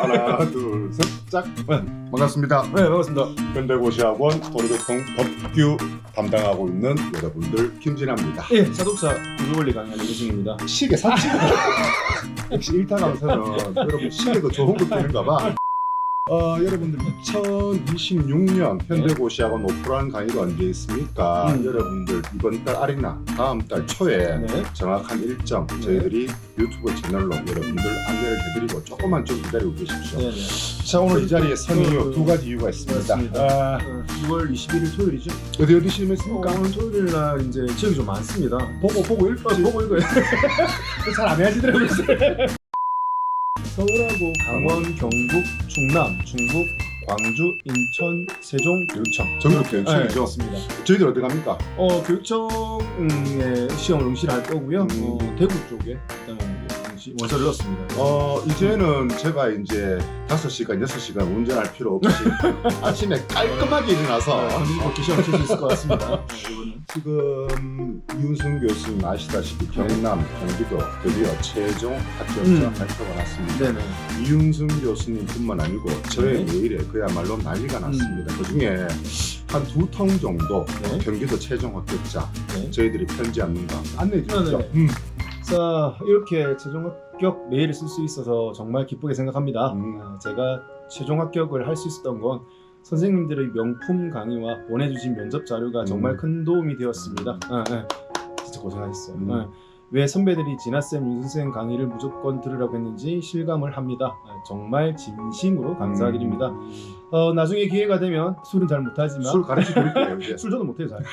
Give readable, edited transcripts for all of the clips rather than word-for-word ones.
하나 둘 셋 짝. 반갑습니다. 네, 반갑습니다. 현대고시학원 도로교통 법규 담당하고 있는 여러분들 김진아입니다. 예, 자동차 구조원리 강의하는 이승입니다. 시계 샀지? 역시 일타 강사는 여러분 시계도 좋은 거 되는가 봐. 여러분들 2026년 현대고시학원 오프라인 강의가 언제 있습니까? 여러분들 이번 달 말이나 다음 달 초에 네. 정확한 일정 저희들이 유튜브 채널로 여러분들 안내를 해드리고 조금만 좀 기다리고 계십시오. 네, 네. 자, 오늘 이 자리에 선 이유 두 가지 이유가 있습니다. 맞습니다. 6월 21일 토요일이죠? 어디 시험했습니까? 오늘 토요일 날 이제 지역이 좀 많습니다. 보고 읽어야지. 보고 읽어야 잘 안 해야지더라고요. 서울하고 강원, 경북, 충남, 중북, 광주, 인천, 세종, 교육청. 전국 교육청이죠. 맞습니다. 저희들 어디 갑니까? 교육청에 시험을 응시를 할 거고요. 대구 쪽에 일단 원서를 넣었습니다. 이제는 제가 이제 5시간, 6시간 운전할 필요 없이 아침에 깔끔하게 일어나서 걷기 시험 칠 수 있을 것 같습니다. 지금 이윤승 교수님 아시다시피 경남, 경기도 드디어 최종 합격자 발표가 났습니다. 네네. 이윤승 교수님뿐만 아니고 저의 메일에 그야말로 난리가 났습니다. 그중에 한 2통 정도 네. 경기도 최종 합격자 네. 저희들이 편지 안는가 안내해 주시죠. 네. 자, 이렇게 최종 합격 메일을 쓸 수 있어서 정말 기쁘게 생각합니다. 제가 최종 합격을 할 수 있었던 건 선생님들의 명품 강의와 보내주신 면접 자료가 정말 큰 도움이 되었습니다. 진짜 고생하셨어요. 왜 선배들이 진아쌤, 윤선생 강의를 무조건 들으라고 했는지 실감을 합니다. 정말 진심으로 감사드립니다. 나중에 기회가 되면 술은 잘 못하지만 술 가르쳐 드릴게요. 이제. 술 저도 못해요 잘.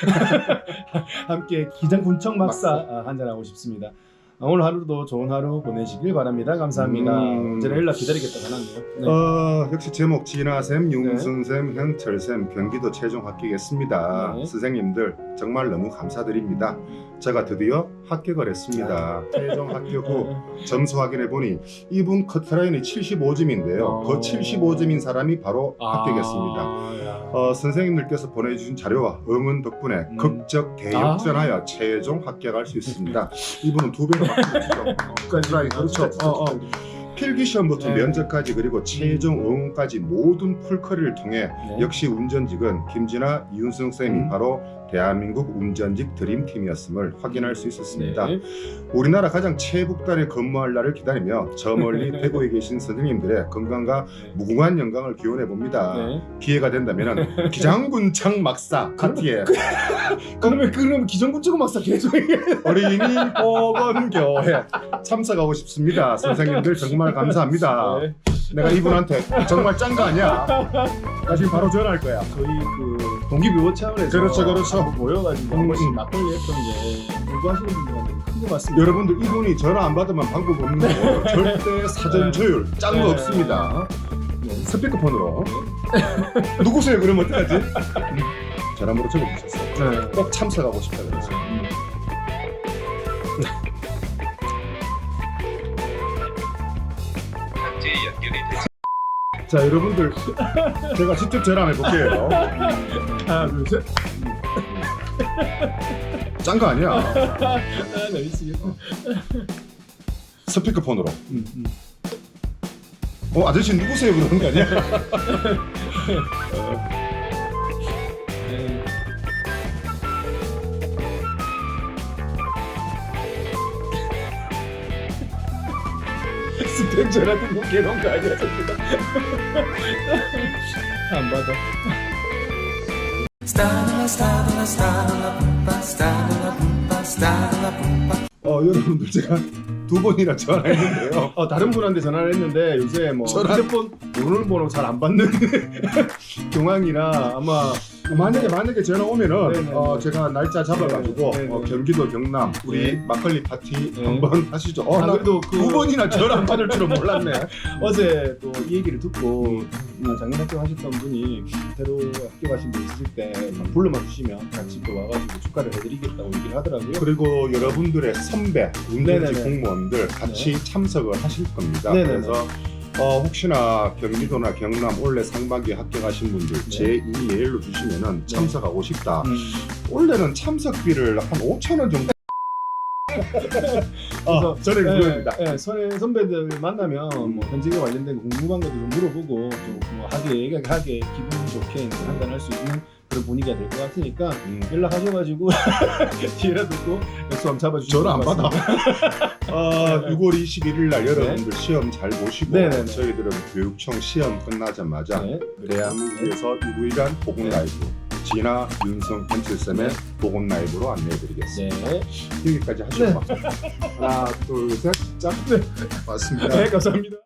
함께 기장군청 막사 한잔하고 싶습니다. 오늘 하루도 좋은 하루 보내시길 바랍니다. 감사합니다. 언제나 연락 기다리겠다가 하네요. 네. 역시 제목 진아쌤, 윤승쌤, 현철쌤 경기도 최종 합격했습니다. 네. 선생님들 정말 너무 감사드립니다. 제가 드디어 합격을 했습니다. 최종 합격 후 점수 확인해 보니 이분 커트라인이 75점인데요. 그 75점인 사람이 바로 합격했습니다. 선생님들께서 보내주신 자료와 응원 덕분에 극적 대역전하여 최종 합격할 수 있습니다. 이분은 2배로 합격했죠. 커트라인 그렇죠. 필기시험부터 면접까지 그리고 최종 응원까지 모든 풀커리를 통해 역시 운전직은 김진아, 이윤승 쌤이 바로 대한민국 운전직 드림팀이었음을 확인할 수 있었습니다. 우리나라 가장 최북단에 근무할 날을 기다리며 저 멀리 대구에 계신 선생님들의 건강과 무궁한 영광을 기원해 봅니다. 기회가 된다면 기장군청 막사 파티에 그러면 기장군청 막사 계속 어린이 보건교회 참석하고 싶습니다. 선생님들 정말 감사합니다. 내가 이분한테 정말 짠 거 아니야? 나 지금 바로 전화할 거야. 저희 동기부여 차원에서 그렇죠. 모여가지고 한 번씩 막걸리 했던 게 공부하시는 분들한테 큰 거 같습니다. 여러분들 이분이 전화 안 받으면 방법 없는 거 절대 사전 조율 짠 거 없습니다. 스피커폰으로 누구세요? 그러면 어떡하지? 전화번호 적어주셨어요. 꼭 참석하고 싶다 그래서. 자, 여러분들 제가 직접 전화 한번 해볼게요. 하나, 둘, 셋. 짠 거 아니야? 나 미치겠다. 스피커폰으로. 아저씨 누구세요? 그러는 거 아니야? 스팸 전화 듣고 개놓은 거 아니야 저기다. 안 받아. 여러분들 제가 2번이나 전화했는데요. 다른 분한테 전화를 했는데 요새 뭐 휴대폰 번호 잘 안 받는 경황이라 아마 만약에 전화 오면은 네네. 제가 날짜 잡아가지고 네네. 경기도 경남 우리 막걸리 파티 한번 하시죠. 나 그래도 2번이나 전화 안 받을 줄은 몰랐네. 어제 또 이 얘기를 듣고 작년 합격하셨던 분이 새로 합격하신 분 있으실 때 불러만 주시면 같이 또 와가지고 축하를 해드리겠다고 얘기를 하더라고요. 그리고 여러분들의 선배 운전직 네네네. 공무원들 같이 참석을 하실 겁니다. 네네네. 그래서 혹시나 경기도나 경남 올해 상반기에 합격하신 분들 제 이메일로 주시면은 참석하고 싶다. 원래는 참석비를 한 5,000원 정도 저는 그겁니다. 선배들 만나면 뭐 현직에 관련된 궁금한 것도 좀 물어보고 또뭐 하게 기분 좋게 이제 판단할 수 있는 그런 분위기가 될 것 같으니까 연락하셔가지고 기회라도 또 약속 한번 잡아주시면 전화 안 받아. 6월 21일 날 여러분들 네. 시험 잘 보시고 네네네. 저희들은 교육청 시험 끝나자마자 네. 대한민국에서 유일한 보건 라이브 진아, 윤성, 펜칠쌤의 네. 보건 라이브로 안내해드리겠습니다. 네. 여기까지 하시고 네. 막 하나, 둘, 셋, 짠. 맞습니다. 네, 감사합니다.